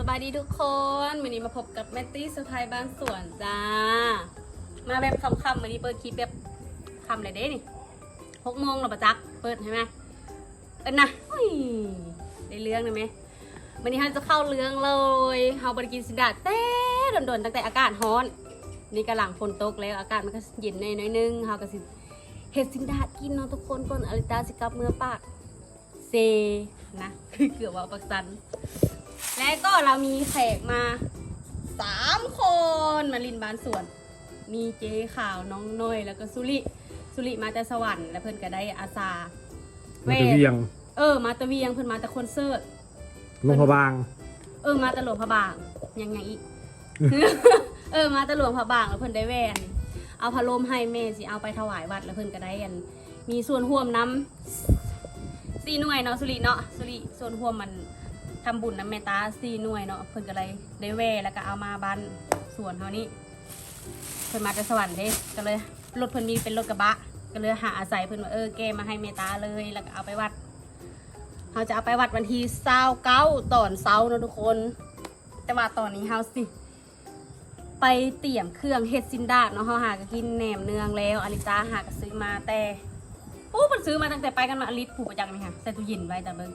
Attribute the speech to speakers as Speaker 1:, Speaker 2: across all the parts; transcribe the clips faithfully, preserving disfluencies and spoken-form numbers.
Speaker 1: บายดีทุกคนวันนี้มาพบกับแมตตี้สไพร์บ้านสวนจ้ามาแบบคำๆวันนี้เปิดคลิปแบบคำอะไรเด้นี่หกโมงเราประจักเปิดใช่ไหมเอ็นนะได้เรื่องเลยไหมวันนี้เราจะเข้าเรื่องเลยเราบริกินสินดาเต้โดนๆตั้งแต่อากาศร้อนนี่กำลังฝนตกแล้วอากาศมันก็เย็นหน่อยนึงเราก็สิเห็ดสินดากินเนาะทุกคนก่อนอลิตาสิกับเมื่อปากเซนะคือเกือบว่าปักสันและก็เรามีแขกมาสามคนมาลินบ้านสวนมีเจ๊ข่าวน้องน้อยแล้วก็สุริสุริมาแต่สวรรค์และเพื่อนก็ได้อาสา
Speaker 2: มาตะเวียง
Speaker 1: เออมาตะเวียงเพื่อนมาแต่คอนเสิร์ต
Speaker 2: หลวงพระบาง
Speaker 1: เออมาแต่หลวงพระบางยังไงอีก เออมาแต่หลวงพระบางแล้วเพื่อนได้แว่นเอาพะโลมให้แม่สิเอาไปถวายวัดแล้วเพื่อนก็ได้อันมีส่วนร่วมน้ำสี่หน่วยเนาะสุริเนาะสุริส่วนร่วมมันทำบุญน้ำเมตตาสี่หน่วยเนาะเพิ่นก็เลยได้แว่แล้วก็เอามาบ้านสวนเขานี่เพิ่นมาจากสวรรค์เด้ก็เลยรถเพิ่นมีเป็นรถกระบะก็เลยหาอาศัยเพิ่นว่าเออแกมาให้เมตตาเลยแล้วก็เอาไปวัดเขาจะเอาไปวัดวันที่เช้าเก้าตอนเช้าเนาะทุกคนแต่ว่าตอนนี้เฮาสิไปเตรียมเครื่องเฮ็ดซินดาดเนาะเฮาหาก็กินแหนมเนืองแล้วอลิตาหาก็ซื้อมาแต่โอ้มันซื้อมาตั้งแต่ไปกันมาอลิตผูกประจังไหมคะใส่ตู้เย็นไว้แต่เบิ่ง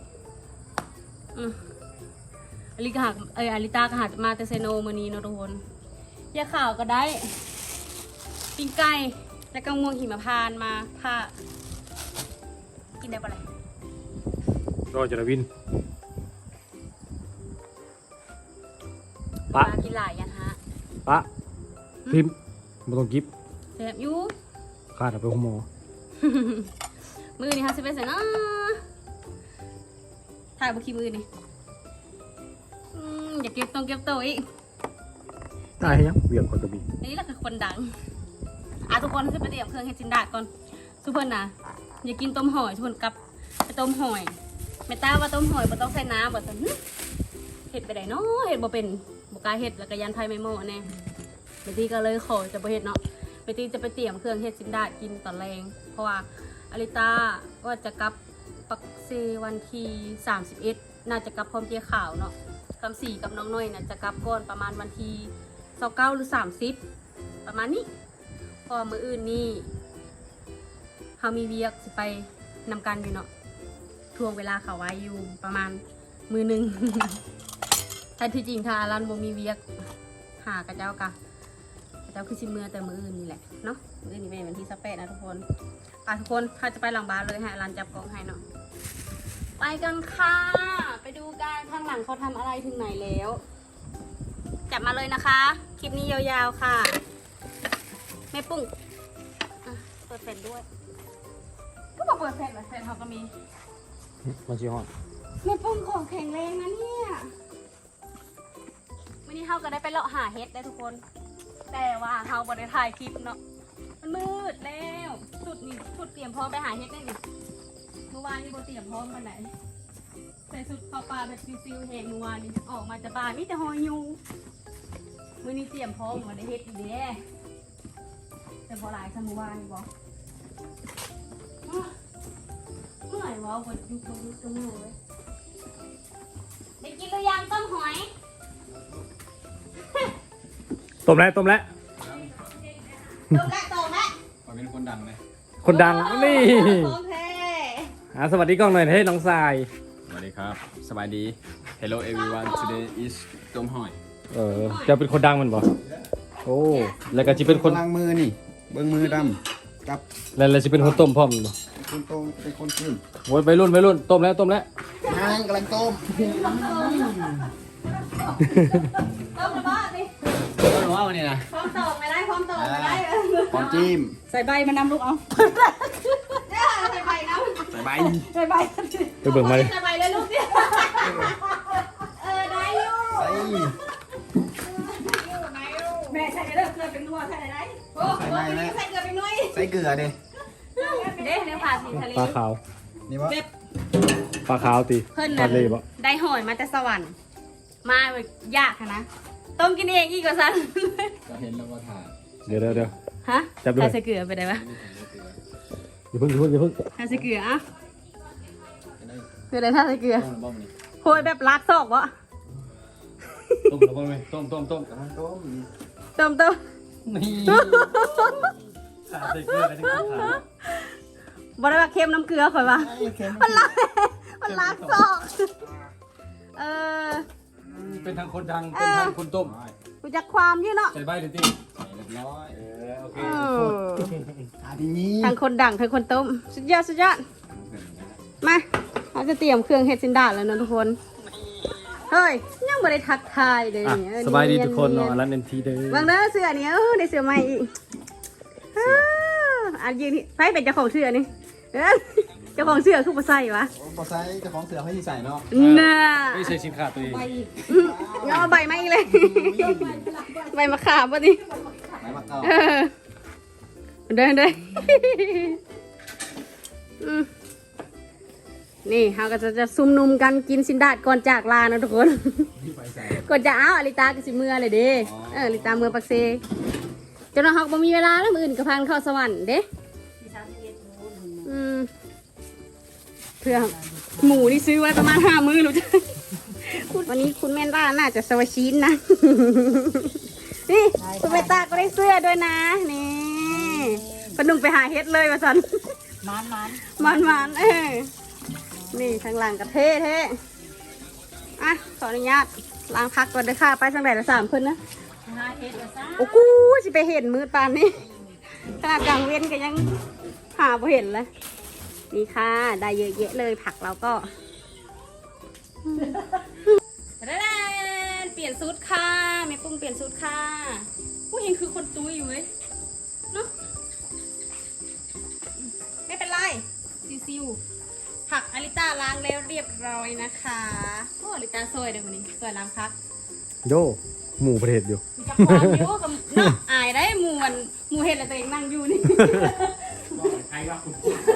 Speaker 1: อลิกหักเอออลิตาก็หักมาแต่เซโนมือนี้เนาะทุกคนยาข่าวก็ได้ปิ้งไก่และก็ม่วงหิมพานต์มาผ้ากินได้ปะเลย
Speaker 2: รอจระวิน
Speaker 1: ปะกินหลายยันฮะ
Speaker 2: ปะพิมพ์มาต้องกิฟ
Speaker 1: เสียบยู
Speaker 2: ขาดเอาไปหัวหมอ
Speaker 1: มือนี่ค่ะสิเป็นเสนาถ่ายบุคีมือนี่อย่าเก็บตรงเก็บตัวอีก
Speaker 2: ตายยังเบี่ยงคนกระบี่
Speaker 1: นี่แหละคือคนดังอ่ะทุกคนจะไปเตรียมเครื่องเฮ็ดจินดาก่อนทุกคนนะอย่ากินต้มหอยทุกคนกับไปต้มหอยแม่ตาว่าต้มหอยบ่ต้องใส่น้ำบ่ต้องเฮ็ดไปได้เนาะเฮ็ดบ่เป็นบ่กล้าเฮ็ดแล้วก็ยันไฟไม่โม่แน่เบตี้ก็เลยขอจะบ่เฮ็ดเนาะเบตี้จะไปเตรียมเครื่องเฮ็ดจินดากินตอนแรงเพราะว่าอลิตาว่าจะกลับปักเซวันที่สามสิบเอ็ดน่าจะกลับพร้อมเจ๊ขาวเนาะคำสี่กับน้องน้อยน่ะจะกลับก่อนประมาณวันที่ยี่สิบเก้าหรือสามสิบประมาณนี้พอมื้ออื่นนี่เฮามีเวียกสิไปนำกันอยู่เนาะทวงเวลาเขาไว้อยู่ประมาณมือหนึ่ง แต่ที่จริงถ้ารันบ่มีเวียกหากระเจ้ากะกระเจ้าคือชิมเมื่อแต่มืออื่นนี่แหละเนาะมืออื่นนี่เป็นวันที่สิบแปดนะทุกคนไปทุกคนถ้าจะไปหลังบ้านเลยให้รันจับกล้องให้เนาะไปกันค่ะไปดูกันข้างหลังเขาทำอะไรถึงไหนแล้วจับมาเลยนะคะคลิปนี้ยาวๆค่ะแม่ปุ้งเปิดแผ่นด้วยก็บอกเปิดแผ่นแบบแผ่นเขาก็มี
Speaker 2: มันชี้ห้อง
Speaker 1: แม่ปุ้งของแข็งแรงนะเนี่ยวันนี้เขาก็ได้ไปเลาะหาเฮ็ดได้ทุกคนแต่ว่าเขาบ่ได้ถ่ายคลิปเนาะมันมืดแล้วสุดนี่สุดเตรียมพร้อมไปหาเฮ็ดได้ดิเมื่อวานนี่โบเตรียมพร้อมกันไหนใส่สุดเข้าป่าแบบซิวๆแหงเมื่อวานนี่ออกมาจากป่ามีแต่หอยยูมื่อนี้เตรียมพร้อมมาได้เฮ็ดอีกเด้แต่พอหลายสมุวานี่บอกเมื่อไหร่วะบดยุบบดยุบจมูกเลยได้กินหรือยังต้มหอย
Speaker 2: ต้มแล้วต้มแล้ว
Speaker 1: ต้มแล้วต้มแล้ว
Speaker 3: ขอเป็นคนดังเลย
Speaker 2: คนดังนี่อ่ะสวัสดีกล้องหน่อยเฮ้ยน้องทราย
Speaker 3: สวัสดีครับสบายดี Hello everyone today is ต้มหอย
Speaker 2: เออจะเป็นคนดังมันบ่โอ้แล้วก็จะเป็นคน
Speaker 3: ล้างมือนี่เบิ้งมือดำกับ
Speaker 2: แล้วแล้วจะเป็นคนต้มพร้อมบ่
Speaker 3: เป็นคนต้มเป็นคนขึ้น
Speaker 2: โว้ยไปรุ่นไปรุ่นต้มแล้วต้มแล้ว
Speaker 3: นางกำลังต้ม
Speaker 1: ต้มระเบิดดิ
Speaker 3: ต้มว่าวันนี้นะ
Speaker 1: พร้อมตอกไม่ได้พร้อมตอกไม่ได้
Speaker 3: พร้อมจิ้ม
Speaker 1: ใส่ใบมานำลูกเอาเนี่ยใส่ใบน้ำ
Speaker 3: ใส่ใบ
Speaker 1: ใส่ใบ
Speaker 2: ไปเบิ่งมาเลย
Speaker 1: ใส่ใบเลยลูกเนี่ยเออได้ลูก
Speaker 3: ใส่
Speaker 1: แม่ใส่เกลือเกลือเป็นนัวใส่ไหนโอ้โหใส่เกลือเป็นนัว
Speaker 3: ใส่เกลือดิ
Speaker 1: เด้เนื้อปลาสีทะเล
Speaker 2: ปลาขาว
Speaker 3: นี่วะ
Speaker 2: ปลาขาวตี
Speaker 1: เพิ่นนั่นได้หอยมาแต่สวรรค์มายากนะต้มกินเองอีกกว่าซัน
Speaker 3: จะเห็นแล้วว่าถ่าย
Speaker 2: เดี๋ยวเดี๋ยวเดี๋ยว
Speaker 1: ฮะใส่เกลือไปได้ปะ
Speaker 2: อย่าเพิ่งอย่าเพิ่งอย่าเพิ่ง
Speaker 1: ใส่เกลืออ่ะคืออะไรถ้าใส่เกลือโหยแบบลักซอกวะ
Speaker 2: ต้มแล้วมั้ยต้มต้มต้มกำลังต้ม
Speaker 1: เติมเติม
Speaker 2: นี่ขาใส่เกลือกันทั้งขา
Speaker 1: บริวารเค็มน้ำเกลือข่อยว่ามันล้างมันล้างซอกเออ
Speaker 2: เป็นทางคนดังเป็นทางคนต้ม
Speaker 1: กูจักความอยี่เนาะ
Speaker 2: ใส่ใบเลยตี
Speaker 3: ใส่เรียบร้อย
Speaker 2: เออโอเค
Speaker 1: เออ
Speaker 3: อาทีนี้
Speaker 1: ทางคนดังทางคนต้มสุดยอดสุดยอดมาเราจะเตรียมเครื่องเฮ็ดซินดาดแล้วนะทุกคนเฮ้ยยังไม่ได้ทักทายเลย
Speaker 2: อ่ะ
Speaker 1: เนี่ย
Speaker 2: สบายดีทุกคนเนาะรันเอ็นทีเด้อ
Speaker 1: วางเด้อเสื้อนี่เออได้เสื้อใหม่อีกอ้าวอันยืนนี่ใครเป็นเจ้าของเสื้อนี่เอ้ยเจ้าของเสื้อคือบ่ใส่วะ
Speaker 3: พอใส่เจ้าของเสือให้ใส่เนาะ
Speaker 1: น่ะ
Speaker 2: ไม่ใช่สินค้าตัวเอง
Speaker 1: เอาใบมาอีกเลยใบมะขามป่ะนี่
Speaker 3: ไหนมาเก่า
Speaker 1: เออเดินเดินอืมนี่เราก็จะจะซุ่มนุมกันกินสินดาดก่อนจากลานะทุกคน ก่อนจะเอาอลิตาก็สิเมื่อเลยเด้เอออลิตาเมื่อปักเซจนเราหอกบ่มีเวลาแล้วมืออื่นก็พันเข้าสวรรค์เด้อืมเพื่อหมูนี่ซื้อไว้ประมาณห้ามื้อรู้จักวันนี้คุณแม่นด้าน่าจะสวาชินนะ นี่คุณเมตาก็ได้เสื้อด้วยนะนี่พนุ่งไปหาเฮ็ดเลยมาสัน
Speaker 4: มันมัน
Speaker 1: มันมันเออนี่ทางหลังกระเท่เท่อ่ะขออนุญาตล้างพักก่อนเด้อค่ะไปทางไหนละสามคนนะ
Speaker 4: หาเห็ดละซะ
Speaker 1: โอ้กูสิไปเห็นมืดปานนี้ขนาดกลางเว้นก็ยังหาบ่เห็นเลยนี่ค่ะได้เยอะแยะเลยผักเราก็แดนเปลี่ยนชุดค่ะแม่ปุ้งเปลี่ยนชุดค่ะผู้หญิงคือคนตุ้ยอยู่เว้ยเนาะไม่เป็นไรซิวๆผักอลิต้าล้างแล้วเรียบร้อยนะคะโอ้อลิต้าสวยเลยคนนี้สวยล้างพัก
Speaker 2: โยหมูประเทศอยู่
Speaker 1: มีจักความอยู่กับเนาะอายได้หมูมันหมูเห็ดแล้วตัวเองนั่งอยู่นี่
Speaker 3: ใครว่าคุณ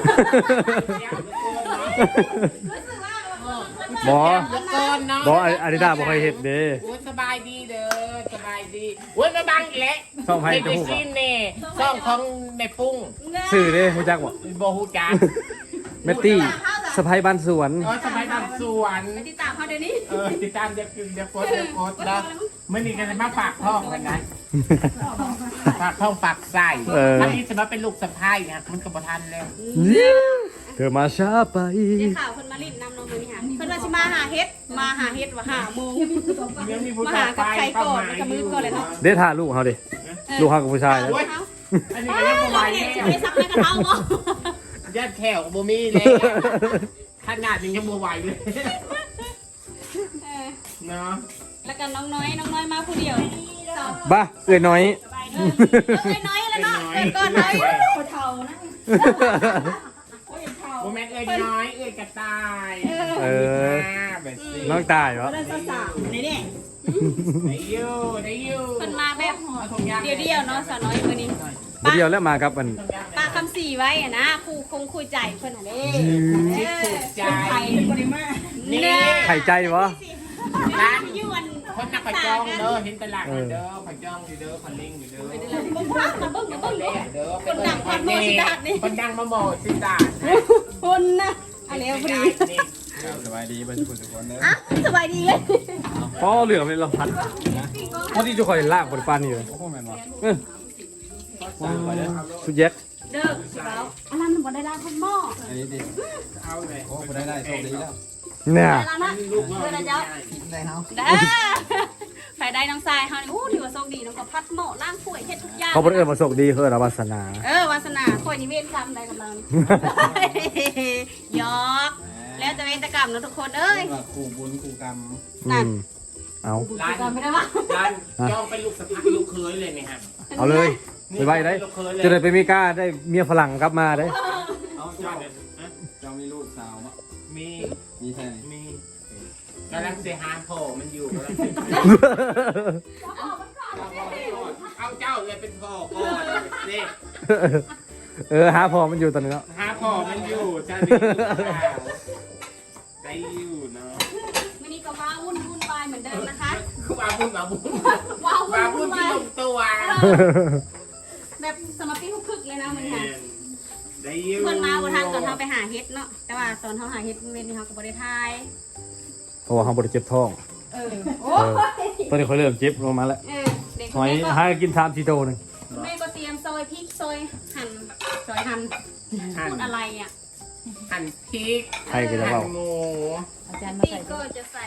Speaker 1: รู้สึกว่า
Speaker 2: บอ
Speaker 4: ก่อนเนาะ
Speaker 2: บออาริดาบอกเคยเห็นเด้
Speaker 4: โอ้ยสบายดีเด้อสบายดีโอ้ยมาบังอีกแล้ว
Speaker 2: ช่องให้
Speaker 4: ไม่
Speaker 2: จะ
Speaker 4: ได้
Speaker 2: พูด
Speaker 4: ซินเน่ช่องของแม่ปุ้ง
Speaker 2: สื่อเด้ฮู้จักบ่
Speaker 4: โบฮูจัก
Speaker 2: เมตตี้สะพายบ้านสวน
Speaker 4: เออสบายบ้านสวน
Speaker 1: ไปติดตามเขาเดี๋ยวนี้
Speaker 4: เออติดตามเดี๋ยวเดี๋ยวโพสต์เดี๋ยวโพสต์นะเมื่อนี้ก็จะมาฝากท้องกันนะฝากท้องฝากไส้
Speaker 2: เออ
Speaker 4: อันนี้จะมาเป็นลูกสะพ้ายนะมันกับประทันแล้ว
Speaker 2: เธอมาช้าไป
Speaker 1: เดี๋ยวข่าวคนมาลิ้นนำน้องมือนี่ค่ะเพิ่นว่าสิมาหาเฮ็ดมาหาเฮ็ดว่าหาโมง
Speaker 4: เดี๋ยวมีผู้
Speaker 1: มา
Speaker 4: ชา
Speaker 1: หาย กับ
Speaker 4: ไป
Speaker 1: ใคร
Speaker 4: เข้า
Speaker 1: ก่อน
Speaker 4: มา
Speaker 1: กับมือก่อนเลยเนาะ
Speaker 2: เด้ถ่าลูกเขาดิลูกเขากับผู้ชายแล้ว
Speaker 4: โอ้ย
Speaker 1: เขา
Speaker 4: อันนี้ก็ยังบ่ไหว
Speaker 1: เราเห็น
Speaker 4: แล้
Speaker 1: จะไปซักในกระเทาบ่
Speaker 4: ญาติแขวบ่มีเลยขนาดยังยังบ่ไหวเลย
Speaker 1: เออ
Speaker 4: เนาะ
Speaker 1: แล้วก็น้องน้อยน้องน้อยมาผู้เดียวสอง
Speaker 2: บ้าเอ้ยน้อย
Speaker 1: เออเอ้ยน้อยแล้วเนาะเกิดก่อนน้อยเท่านะ
Speaker 4: โมแม่เอ้ยน้อยเอ้ยกระต่าย
Speaker 2: เออ
Speaker 4: แบบนี้
Speaker 2: น้องตายวะ
Speaker 1: นี่นี่
Speaker 4: ได้ยูได้ยู
Speaker 1: เพิ่นมาแบบ
Speaker 4: เอาถุงยาง
Speaker 1: เดียวเดียวๆเนาะสาวน้อยมื้อนี้
Speaker 2: เดียวแล้วมาครับมัน
Speaker 1: ปากคำสี่ไว้อะนะครูคงคุยใจเพื่อนอะเด้
Speaker 4: ชิดถูกใจ
Speaker 1: ไทยเป็นบริมา
Speaker 4: นี่
Speaker 2: ไข่ใจวะ
Speaker 1: ร้านยวน
Speaker 4: คนนักขัดจองเด้อเห็นตลาดเด้อขัดจองอยู่เด้อขันลิงอยู่เด้อ
Speaker 1: เบิ้งเบิ้งเบิ้งเบิ้ง
Speaker 4: เด้อเด้อ
Speaker 1: คนดังคนโมสิดาดนี่
Speaker 4: คนดังมาโมสิดาด
Speaker 1: คนนะอันนี้พอดี
Speaker 3: สบายดีเป็นคนทุกคนเนอะ
Speaker 1: อ่ะสบายดีเลย
Speaker 2: พ่อเหลือไม่เราพัดพอที่จะคอยลากบนปานนี่เลย
Speaker 3: โอ้โหแม่นวะ
Speaker 2: เออสุดแยก
Speaker 1: เด้อแล้วอันนั้นมันบ่ได้ล้างข้าวหม้อ
Speaker 3: อันนี้ดิ
Speaker 4: เอาเลย
Speaker 3: โอ้บ่ได้ได้โชคดีแล้ว
Speaker 2: เนี่ย
Speaker 1: ได้ล้างนะเพื่อนนะเจ้า
Speaker 3: ได้เฮา
Speaker 1: ได้ไปได้น้องทรายเฮานี่โอ้ถือว่าโชคดีน้องก็พัดหม้อล้างถ้วยเฮ็ดทุกอย่าง
Speaker 2: เขาเป็นเอิญมาโชคดีเฮ้ยเราวาสนา
Speaker 1: เออวาสนาค่อยนิเวศกรรมได้กับเราหยอกแล้วแต่เวรกรรมนะทุกคนเอ้ย
Speaker 3: ว่าคู่บุญคู่กรรม
Speaker 2: อืมเอา
Speaker 4: ร้าน
Speaker 1: จำไม่ได้ปะ
Speaker 4: ร้านจองเป็นลูกสะพ้ายลูกเคยเลยเนี่ยฮะ
Speaker 2: เอาเลยไปไว้ได้ จะได้ไปมีกล้าได้เมียฝรั่งกลับมาได้
Speaker 3: เอาเจ้าเจ้ามีลูกสาวมั้ย
Speaker 4: มี
Speaker 3: มีแค่ไหน
Speaker 4: มีกำลังเสียหาโผล่มันอยู่กำลังเอาเจ้าเลยเป็นพ่อก่อนนี่
Speaker 2: เออหาพอมันอยู่ตอนนี้แล้ว
Speaker 4: หาพ่อมันอยู่จะได้ได้อยู่เนาะ
Speaker 1: วันนี้ก็ว้าวุ่นวุ่นวายเหมือนเดิมนะคะ
Speaker 4: มาบุญมาบุญ
Speaker 1: ว้าวุ่
Speaker 4: มาน บุ
Speaker 1: วุ่
Speaker 4: ญ
Speaker 1: น
Speaker 4: ที่
Speaker 1: วาย
Speaker 4: ลงตัว
Speaker 1: แบบสมาธิฮุกคึกเลยนะมันค่ะ
Speaker 4: ได้อยู่
Speaker 1: เพิ่นมาบนทางตอนเขาไปหาเฮ็ดเนาะแต่ว่าตอนเขาหาเฮ็ดเว้นนี่เขาก็บ่ได้ทาย
Speaker 2: เพราะว่าเขาบริเจ็บท้อง
Speaker 1: เออโอ้ย
Speaker 2: ตอนนี้เขาเริ่มเจ็บลงมาแล้ว
Speaker 1: เออเด็ก
Speaker 2: หอย
Speaker 1: แม่ก็
Speaker 2: ให้กินสามสี่โตหนึ่ง
Speaker 1: แม่ก็เตรียมซอยพริกซอยหั่นซอยหั่น
Speaker 4: หั่น
Speaker 1: พูดอะไรอ่ะ
Speaker 4: หั่นพริก
Speaker 2: ใครก็จะ
Speaker 4: หั่
Speaker 2: เว้าน
Speaker 4: หมู
Speaker 1: พี่ก็จะใส่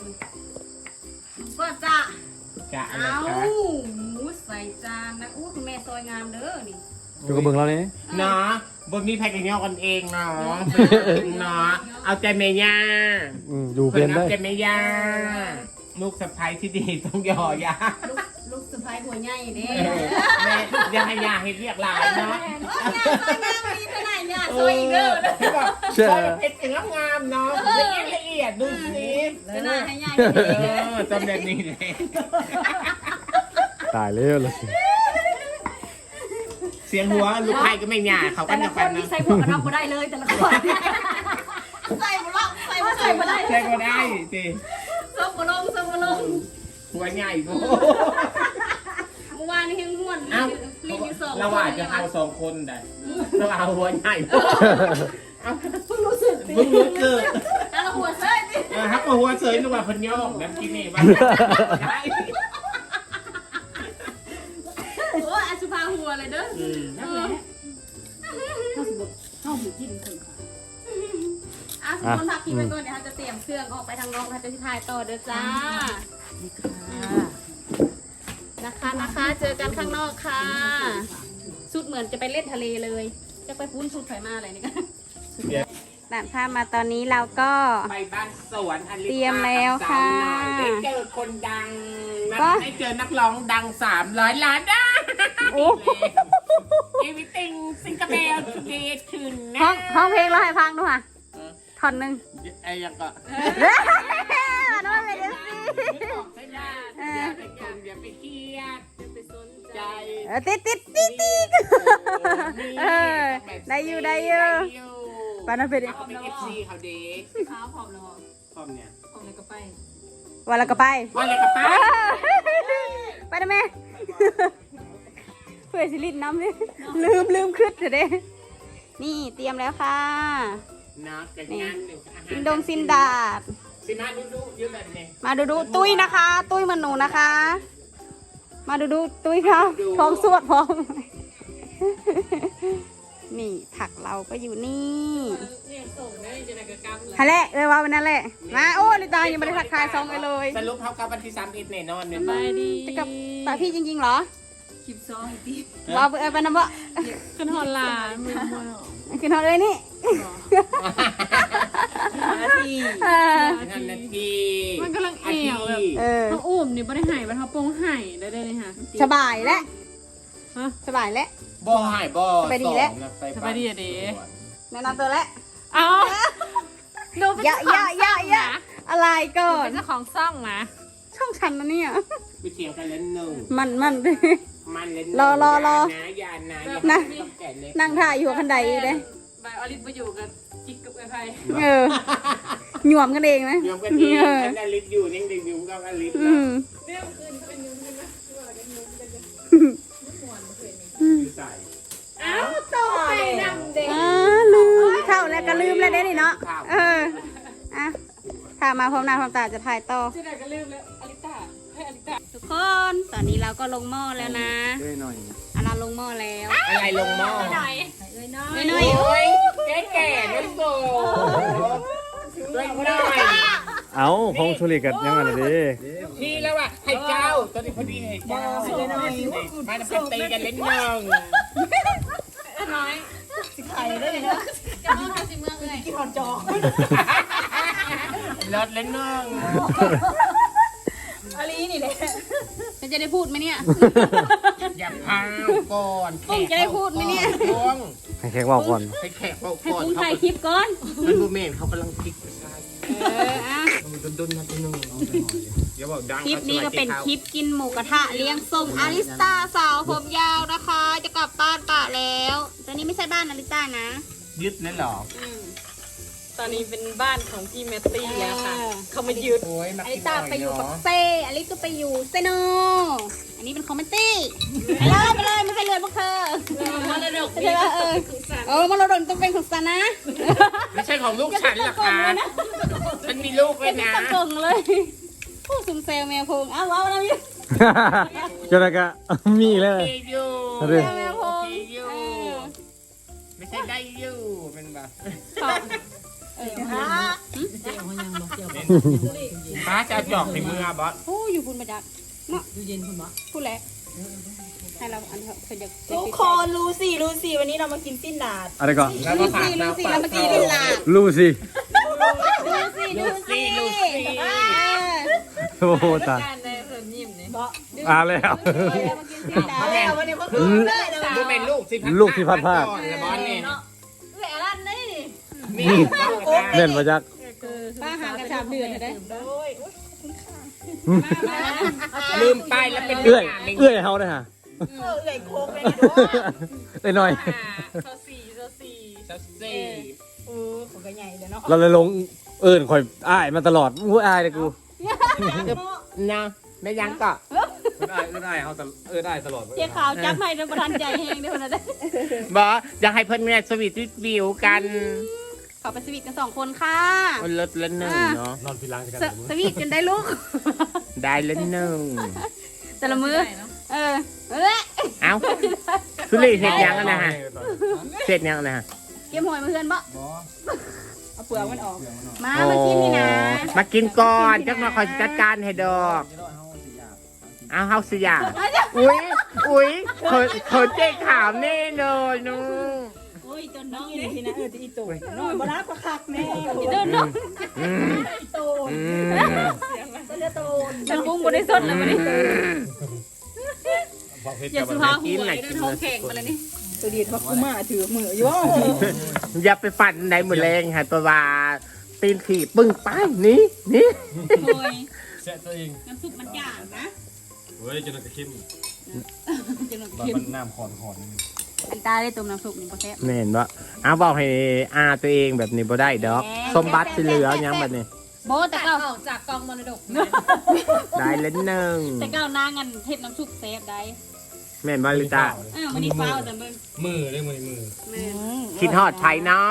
Speaker 1: ก็จะ
Speaker 4: จะอะไร
Speaker 1: เอา
Speaker 4: คะ
Speaker 1: หมูใส่จานนะอู้คุณแม่ซอยงามเด้อนี่
Speaker 2: อยู่กับเบิ่งเราเนี่ย
Speaker 4: เนาะบนมีแพ็กกันยอกกันเองเนาะเนาะเอาใจเมย่า
Speaker 2: อืมอยู่เป็นได้
Speaker 4: เอาใจเมย่าลูกสะใภ้ที่ดีต้องยอยา
Speaker 1: ลูกลูกสะพ้ายหัวใหญ่เด้
Speaker 4: เออแม่ยังให้ยาให้เรียกหลานเนาะ
Speaker 1: โอ้ยงามซอยงามมีไปไหนเนี่ยซอยอีกเด้อ
Speaker 4: ที่บอกซอยเพชรเป็นงามๆเนาะละเอียดละเอียดดูสิ
Speaker 1: ไปไหนให้ใหญ่
Speaker 4: เอ
Speaker 1: เด้อ
Speaker 4: อจำแบบนี้เลย
Speaker 2: ตายแล้วเลย
Speaker 4: เสียงหัวลูกไผ่ก็ไม่หยาเขากั
Speaker 1: แต่
Speaker 4: น
Speaker 1: ละ
Speaker 4: นะ
Speaker 1: ค
Speaker 4: กัน น
Speaker 1: นี่
Speaker 4: นะ
Speaker 1: ใส่หมวกกันน็อกก็ได้เลยแต่ละคนใส่หมวกใส่หมวกใส่หมวกได้
Speaker 4: ใช่ก็ได้สิ
Speaker 1: ซบกระลงซบกระลง
Speaker 4: หัวใหญ่กู
Speaker 1: เมื่อวานนี้ยังม่วน
Speaker 4: เอ้า
Speaker 1: รีบอยู่สอง
Speaker 4: เราอาจจะเอาสองคนได้เราเอาหัวใหญ่เอ้า
Speaker 1: เพิ่งรู้สึก
Speaker 4: เพิ่งรู้สึก
Speaker 1: แต่ละหัวเซ่ดิ
Speaker 4: เออฮักมาหัวเสยนึกว่าเพันยอกแบบกินนี่บ้างได้
Speaker 1: โอ้ยอาชุภาหัวเลยเด้อ
Speaker 4: อืม
Speaker 1: เออ
Speaker 5: เข้าสมบูรณ์เข้าหมูจิ้มคนค่ะ
Speaker 1: อ่ะสมมติพักกินไปก่อนเดี๋ยวเขาจะเตรียมเครื่องออกไปทางนอกเขาจะที่ถ่ายต่อเด้อจ้า
Speaker 5: นี่ค่ะ
Speaker 1: นะคะนะคะเจอกันข้างนอกค่ะสุดเหมือนจะไปเล่นทะเลเลยจะไปปุ้นสุดไฟมาอะไรนี่กันด่านข้ามมาตอนนี้เราก็
Speaker 4: ไปบ้านสวนอลิ
Speaker 1: เตรียมแล้วค่ะ
Speaker 4: ได้เจอคนดังนะ
Speaker 1: ก็
Speaker 4: ได้เจอนักร้องดังสามร้อยล้านได้
Speaker 1: โอ้
Speaker 4: Everything ซิงคโปร์ทูเดย์คืนนะ
Speaker 1: ห้องห้องเพลงเราให้ฟังด้วยค่ะ
Speaker 4: เออ
Speaker 1: ท่อนหนึ่ง
Speaker 4: ไอ้ยังก็
Speaker 1: มาด้วยเลยเดี๋ยวสิ
Speaker 4: ใช่ไหมอย่าไปกงอย่าไปเครียดอย่าไปสนใจ
Speaker 1: เออติดติดติดติด เออได้อยู่ได้อยู่ ปานาเป็น
Speaker 4: เขาเป็นเอฟซีเขาเด็ก
Speaker 5: ข้าวพร้อมแล้ว
Speaker 4: พร้อมเนี่ย
Speaker 5: พร้อมแล้วก็ไป
Speaker 1: วันละก็ไป
Speaker 4: ว่าอะไรกับป้า
Speaker 1: ไปนะแม่ เพื่อสิลินน้ำเลยลืมลืมขึ้นเถอะเด้นี่เตรียมแล้วค่ะ
Speaker 4: เนาะกันงานหนึ่ง
Speaker 1: ซินดงซินดาด
Speaker 4: สิมาดูดูเยอะแบบนี้
Speaker 1: มาดูดูตุ้ยนะคะ ตุ้ยมันหนูนะคะ มาดูดูตุ้ยค่ะพร้อมสวดพร้อม นี่ผักเราก็อยู่นี่
Speaker 5: เนี่ยส่งได้จะได้กระกำเลย
Speaker 1: ฮะแหละเลยว่าวันนั้นแหละ มาโอ้ลิตายังไม่ได้ทักทายซองไปเลย
Speaker 4: สรุปเขากับวันที่สามเอ็ดแน่นอนเนี่ย
Speaker 5: ไปดี
Speaker 1: จะกับตาพี่จริงๆเหรอ
Speaker 5: คลิปซองตี
Speaker 1: ว่าไปเอาไปนะบ่
Speaker 5: ขึ้นฮอลลามือมือ
Speaker 1: กินเอาเลยนี่
Speaker 5: นาที
Speaker 1: เออ
Speaker 4: นั่นนาที
Speaker 5: มันกำลังเอวแบบ
Speaker 1: เออ
Speaker 5: เขาอุ้มนี่ไม่ได้หายมันเขาโปงหายได้ได้เลยค่ะ
Speaker 1: สบายแล้ว
Speaker 5: ฮะ
Speaker 1: สบายแล้ว
Speaker 4: บ่หายบ่
Speaker 1: สบายดีแล้ว
Speaker 5: สบายดีอะเด้
Speaker 1: แนะนำตัวแล้ว
Speaker 5: เอาดูเป็น
Speaker 1: อย่าอย่าอย่าอย่าอะไรก่อน
Speaker 5: เป็นเจ้าของซ่องนะ
Speaker 1: ช่องฉันนะเนี่ย
Speaker 4: ไปเถียงกันเล่นหนึ่ง
Speaker 1: มันมัน
Speaker 4: มันเล่น
Speaker 1: รอรอรอ
Speaker 4: นะยานะ
Speaker 1: นะ
Speaker 4: ต้องแก่เล็ก
Speaker 1: นั่งถ่ายอยู่คันใดเลย
Speaker 5: ใบออลิฟมาอยู่กับจิกกับไอ้ไผ่
Speaker 1: เออหยวมกันเองนะ
Speaker 4: ยอมกันดี
Speaker 1: เออ
Speaker 4: ฉันอลิสอยู่นิ่งๆอยู่กับอลิส
Speaker 1: อืม
Speaker 4: อยู่ใส่
Speaker 5: อ้าวต่อไปนำเด็ก
Speaker 1: อ่าลืมเข้าแล้วก็ลืมแล้วเด้นี่เนาะเอออ่ะถ้ามาพร้อมหน้าพร้อมตาจะถ่ายต่อ
Speaker 5: ที่ไหนก็ลืมแล้วอลิต้าให้อลิต้า
Speaker 1: ทุกคนตอนนี้เราก็ลงหม้อแล้วนะ
Speaker 2: ด้วยหน่อย
Speaker 1: อาราลงหม้อแล้ว
Speaker 4: อะไรลงหม้อ
Speaker 5: หน่อย
Speaker 1: ไม่น้อย
Speaker 4: โอ้ยแก่แก่ๆนั่นโตด้วยหน่อย
Speaker 2: เอาพงชุลิกันยังไงล่ะดิ
Speaker 4: นี่แล้วอ่ะให้เจ้าตอนนี้พอดีให้เจ้ามาทำตีกันเล่นหนึ่ง
Speaker 5: น้อย
Speaker 1: จะเอาทำสิเมืองเลย
Speaker 4: รถเล่นหนึ่ง
Speaker 5: อลีนี่แหละ
Speaker 1: จะได้พูดไหมเนี่ย
Speaker 4: อย่าพาวก่อน
Speaker 1: ปุ้งจะได้พูดไหมเนี่ย
Speaker 4: ปุ้ง
Speaker 2: ให้แขกว่าก่อน
Speaker 4: ให้แขกเขา
Speaker 1: ให้
Speaker 4: ก่อน
Speaker 1: ปุ้ง
Speaker 4: เขา
Speaker 1: ถ่ายคลิปก่อน
Speaker 4: มันบูเมนเขากำลังพลิกไปใช่
Speaker 1: เอออ่ะ
Speaker 4: มันดุนๆนะทีนึงเดี๋ยวบอกดัง
Speaker 1: คลิปนี้ก็เป็นคลิปกินหมูกระทะเลี้ยงส่งอาริสตาสาวผมยาวนะคะ จะกลับบ้านปะแล้วแต่นี่ไม่ใช่บ้านอาริสตานะ
Speaker 4: ยึดนั่นหรอ
Speaker 1: อืม
Speaker 5: ตอนนี้เป็นบ้านของพี่แมตตี้แล้วค่ะ
Speaker 1: เออ
Speaker 5: เขามายืด
Speaker 4: โอ้ยมา
Speaker 1: อาริ
Speaker 4: กิน
Speaker 1: ส
Speaker 4: ห
Speaker 1: ตา
Speaker 4: น่อย
Speaker 1: ไปอยู่กับ
Speaker 4: เนาะ
Speaker 1: เซอาริสก็ไปอยู่เซโนอันนี้เป็นคอมเมนตี้ไปเลยไปเลยไม่ใช่เลยพวกเธอ
Speaker 5: มรดก
Speaker 1: ใช่ไหมเออเออมรดกต้องเป็นของซานะ
Speaker 4: ไม่ใช่ของลูกฉันหรอกค่ะฉันมีลูกไว้นะ
Speaker 1: ตะกงเลยผู้ซุ่มแซวแมวพงเอาเอาแล้วนี่
Speaker 2: จนกะมีเลย
Speaker 4: โอเคอยู่
Speaker 2: เอาดิ
Speaker 1: แมวพ
Speaker 4: โอง เคอยู่
Speaker 1: เออ
Speaker 4: ไม่ใช่ได้อยู่เป็นแบบ
Speaker 1: ขอบเออฮะ
Speaker 4: ป้าจะเอาจอกในมือบอส
Speaker 1: โอ้อยู่คุณมาจากเนาะอยู่เย็นคุณบ่พูดแล้วให้เราอันเถอะเพิ่นอยาก
Speaker 5: ทุกคนรู้สิรู้สิวันนี้เรามากินสิ้นดาด
Speaker 2: อะไรก่อน
Speaker 4: แล้วก็
Speaker 1: ลู
Speaker 4: ผัก
Speaker 1: ซี่ลู
Speaker 4: น้ำ
Speaker 1: ซี่
Speaker 4: ปลา
Speaker 1: แล้วเมื่อกี้นี่ล่ะ
Speaker 2: ลูสิ
Speaker 1: ลูซี่ลูซี่ลูซี่
Speaker 2: โอ้โหตาย
Speaker 5: การในเพิ่นยิ้มเนี่ย
Speaker 2: อ่าแล้ว
Speaker 5: เอาแล้ววันนี้พ่อคืนเลยนะ
Speaker 4: ดูเป็นลูกสิพัด
Speaker 2: ลูกที่พัดพลาด
Speaker 4: ก่อนนะบอสนี่
Speaker 5: เอ้ยอะไรนี่
Speaker 4: นี่ต้องการ
Speaker 2: เล่นมาจัก
Speaker 1: ป้าห่างกันสามเดือนเลยได้
Speaker 5: โอ้ย
Speaker 4: ลืมไปแล้วเป็น
Speaker 2: เอื้อย
Speaker 4: อย่างหนึ่ง
Speaker 2: เอื้อยเฮาได้ฮะ
Speaker 5: เออเอ้ยโคกเลยนะเด้อ
Speaker 2: ไอ้หน่อย
Speaker 5: โซสี่โซสี่
Speaker 4: ซัสซี่
Speaker 5: เออของก็ใหญ่เลยเนาะ
Speaker 2: เราเลยลงเอิญคอยอ้ายมาตลอดอู้อายเลยกู
Speaker 4: นะไม่ยังก็
Speaker 2: เอิญอ้ายเอิญอ้ายเขาเอิญอ้ายตลอด
Speaker 1: เจ๊ขาวจับให้ในประธานใจแห้งได้คนละได้
Speaker 4: บอสอยากให้เพื่อนเนี่ยสวีทวิวกัน
Speaker 1: ขอไปสวีทกันสองคนค่ะ
Speaker 4: มันลดละหนึ่งเนาะ
Speaker 2: นอนพิล้างกัน
Speaker 1: สสวีทกันได้ลูก
Speaker 4: ได้ละหนึ่ง
Speaker 1: แต่ละมือเออเออ
Speaker 4: เอ้าสุรีเห็ดยังอะนะฮะเห็ดยังอะนะฮะ
Speaker 1: เกมหอยมาเพื่อนบ่
Speaker 5: เอาเปลือกมันออก
Speaker 1: มามากินนี่นะ
Speaker 4: มากินก่อนจักมาคอยจัดการให้ดอก เอาเฮาสิยาอุ้ยอุ้ยเขินเขินเจ๊ขาวแน่เลยนู
Speaker 1: โอ้ยจนน้อง
Speaker 5: นี่
Speaker 1: เลย
Speaker 5: ทีนะเออที่อีตู่น้อยบ่รับก็คักแม่
Speaker 1: เดินน้อง
Speaker 4: อืม
Speaker 5: โตน
Speaker 4: อืม
Speaker 5: ก็จะโตน
Speaker 1: แต่ปุ้งบ่ได้สดเลยบ่ได้อย่าสุภาพหัวเดินท้องแข็งมาเลยนี่
Speaker 5: ตัวดีดว่ากูมาถือมืออยู่
Speaker 4: อย่าไปฝันในมือแรงค่ะตัวว่าตีนขี่ปึ้งไปนี่นี่
Speaker 1: โอ้ย
Speaker 2: แซ่ตัวเอง
Speaker 1: น้ำซุปมันจางนะ
Speaker 2: เฮ้ยจนกระเข้ม
Speaker 1: จะหนุน
Speaker 2: บา
Speaker 1: เค็ม
Speaker 2: มันน้ำขอนขอน
Speaker 1: อันตาได้ต้มน้ำซุปนี่บ่แซ่บ
Speaker 4: แม่นบ่เอาบอกให้อาตัวเองแบบนี้บ่ได้ดอก สมบัติสิเหลือยังแบบนี้
Speaker 1: โบแต่เก้า
Speaker 5: ออกจากกองมรดก
Speaker 4: ได้เล่นหนึ่ง
Speaker 1: แต่เก้านางอันเฮ็ดน้ำซุปแซ่บได้
Speaker 4: แม่นบ่ลิตา
Speaker 1: อ้าวมันนี่ฟ้าวแต่มึง
Speaker 2: มือได้มือมือ
Speaker 1: แม่
Speaker 4: คิดฮอดไผเนาะ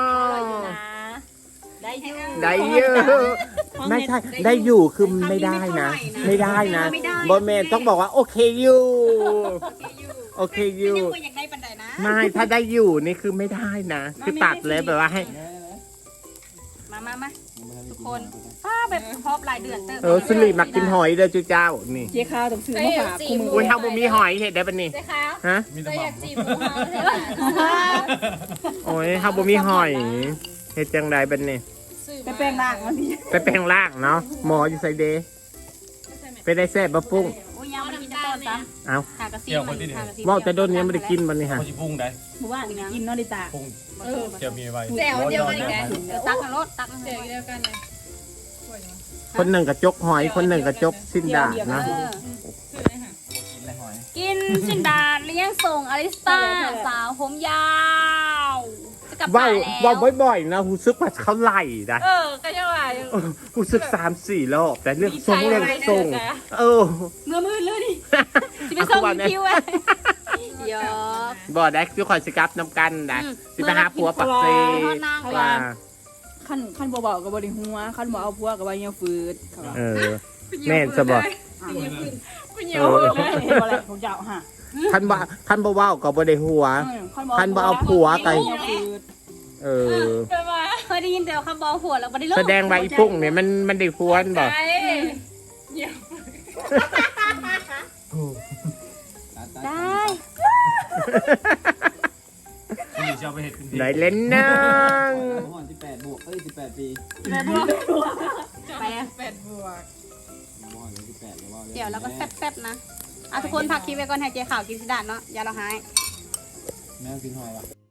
Speaker 5: ได้อยู่
Speaker 4: ได้อยู่ไม่ใช่ได้อยู่คือไม่ได้นะ ไม่ได้นะบอแมนต้องบอกว่าโอเคอยู่โอเคอยู่
Speaker 1: ยังบ่อยากได้ปานใดนะ
Speaker 4: ไม่ถ้าได้อยู่นี่คือไม่ได้นะคือตัดเลยแบบว่าให้
Speaker 1: มามามาทุกคนป้าแบบพอบหลายเดือนเติบ
Speaker 4: เออสุริมักกินหอยเด้อจุเจ้านี่
Speaker 5: เจ๊ข้าวต้องซื้อมาฝากกูมือ
Speaker 4: อุ้ยเฮาบ่มีหอยเฮ็ดได้ปะนี่
Speaker 5: เจ๊ข้าว
Speaker 4: ฮะ
Speaker 2: มีแต่
Speaker 5: ก็
Speaker 2: ห
Speaker 5: อ
Speaker 2: ม่
Speaker 5: ยากจีบหมูเฮาใช่ไหม
Speaker 4: โอ้ยเฮาบ่มีหอยเฮ็ดจังไดบัดนี้
Speaker 5: ไปแปลงร่างมาพี่
Speaker 4: ไปแปลงร่างเนาะหมออยู่ไสเดไปได้แซ่บบ่ปุ้ง
Speaker 1: โอ้ยยังไม่ได้กินต้นซ้
Speaker 4: เอ้า
Speaker 1: ำหากระซีมันหากระซี
Speaker 4: เว้าแต่โดนยังบ่ได้กินบัดนี้ฮะ
Speaker 2: เขาจะปรุงได้
Speaker 1: หมู่บ้านนี่นะ
Speaker 5: กินนอดิตา
Speaker 2: ปรุงเจียวมีไว้
Speaker 5: แจ่วเดียวกันอีกแล้ว
Speaker 1: ตักกันรถตักกัน
Speaker 5: เจ๊เดียวกันเลย
Speaker 4: คนหนึ่งกระจกหอยคนหนึ่งกระจกสิ้นดาดนะ
Speaker 1: กินชินดาเลี้ยงส่งอลิสตาสาวผมยาวจะกลับ
Speaker 4: ว้า
Speaker 1: บ้าน
Speaker 4: ว
Speaker 1: แล้ว
Speaker 4: ว้าวบ่อยๆนะรู้สึกว่าเขาไล่นะ
Speaker 5: เออก็ยังว่าอยู่
Speaker 4: เออรู้สึกสามสี่รอบแต่เรื่องทรงเรื่องทรงเออ
Speaker 1: เมื่อมืดเลยดิจะไปส่งคิวไอ้ยอก
Speaker 4: บ่ได้คือคอยสิกลับน้ำกันได้สิไปหาผัวปักเซว่า
Speaker 5: ขั้นขั้นเบาๆกับบริหัวขั้นบ่เอาพวกกับว่ายังฟืด
Speaker 4: เออแม่นซะบ่
Speaker 5: เอออะไรของเจ้าฮะ
Speaker 4: คันบ่คันบ่เว้าก็บ่ได้หัว ขั้นบ่เอาผัวไก เออ
Speaker 1: เคยได้ยินแต่คำบอกผัวแล้วไม่ได้เลิก
Speaker 4: แสดงว่าอีปุ้งเนี่ยมันมันได้พวนบ่
Speaker 1: ได้
Speaker 2: ที่จะเอาไปเห็ดเป็น
Speaker 4: ไหนเล่นนัง
Speaker 2: สิบแปดบวกเอ้ยสิบแปดปี
Speaker 1: ไปอะ
Speaker 5: แปดบวก
Speaker 1: เดี๋ยวเราก็แซ่บๆนะอ่ะทุกคนพักคลิปไว้ก่อนให้เจ๊ข่าวกินสิดาดเนาะอย่าเราหาย
Speaker 2: แม่กินหอยป่ะ